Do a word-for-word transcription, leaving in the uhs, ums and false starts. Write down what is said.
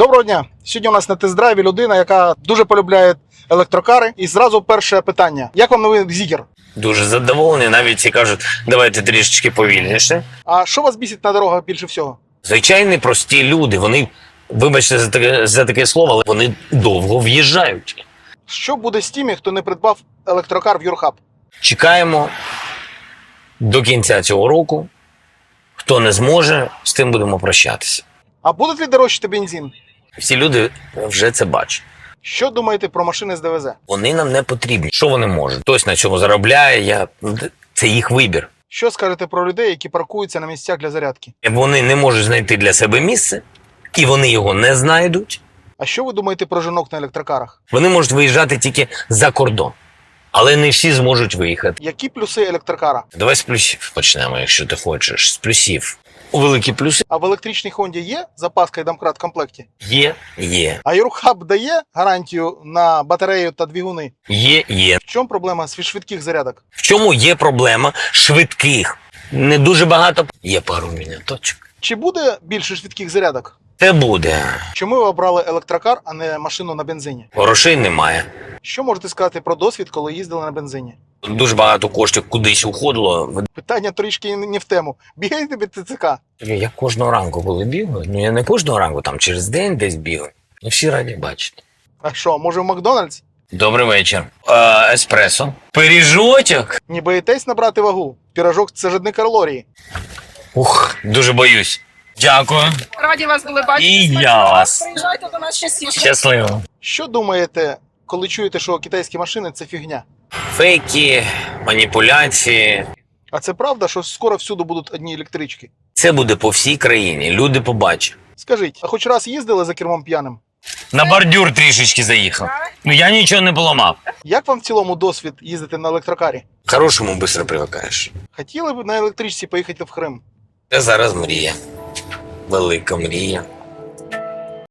Доброго дня! Сьогодні у нас на тест-драйві людина, яка дуже полюбляє електрокари. І зразу перше питання. Як вам новий Зігер? Дуже задоволений, навіть всі кажуть, давайте трішечки повільніше. А що вас бісить на дорогах більше всього? Звичайні прості люди, вони, вибачте за таке, за таке слово, але вони довго в'їжджають. Що буде з тими, хто не придбав електрокар в Юрхаб? Чекаємо до кінця цього року. Хто не зможе, з тим будемо прощатися. А буде ли дорожчати бензин? Всі люди вже це бачать. Що думаєте про машини з ДВЗ? Вони нам не потрібні. Що вони можуть? Хтось на цьому заробляє, я... це їх вибір. Що скажете про людей, які паркуються на місцях для зарядки? Вони не можуть знайти для себе місце, і вони його не знайдуть. А що ви думаєте про жінок на електрокарах? Вони можуть виїжджати тільки за кордон. Але не всі зможуть виїхати. Які плюси електрокара? Давай з плюсів почнемо, якщо ти хочеш. З плюсів. У великі плюси А в електричній Хонді є запаска і домкрат в комплекті? є, є. А Юрхаб дає гарантію на батарею та двигуни? Є, є. В чому проблема з швидких зарядок? В чому є проблема швидких? Не дуже багато. Є пару міняточок. Чи буде більше швидких зарядок? Це буде. Чому ви обрали електрокар, а не машину на бензині? Грошей немає. Що можете сказати про досвід, коли їздили на бензині? Дуже багато коштів кудись уходило. Питання трішки не в тему. Бігаєте від ТЦК? Я кожного ранку коли бігаю. Ну я не кожного ранку, там через день десь бігаю. Ну всі раді бачити. А що, може в Макдональдс? Добрий вечір. Е, еспресо. Пиріжочок. Не боїтесь набрати вагу? Пірожок – це ж одні калорії. Ух, дуже боюсь. Дякую. Раді вас були бачити. І Смачного. я вас. Приїжджайте до нас частіше. Щасливо. Що думаєте, коли чуєте, що китайські машини – це фігня? Фейки, маніпуляції. А це правда, що скоро всюди будуть одні електрички? Це буде по всій країні. Люди побачать. Скажіть, а хоч раз їздили за кермом п'яним? На бордюр трішечки заїхав. Ну я нічого не поламав. Як вам в цілому досвід їздити на електрокарі? Хорошому швидко привикаєш. Хотіли б на електричці поїхати в Крим? Це зараз мрія. Велика мрія.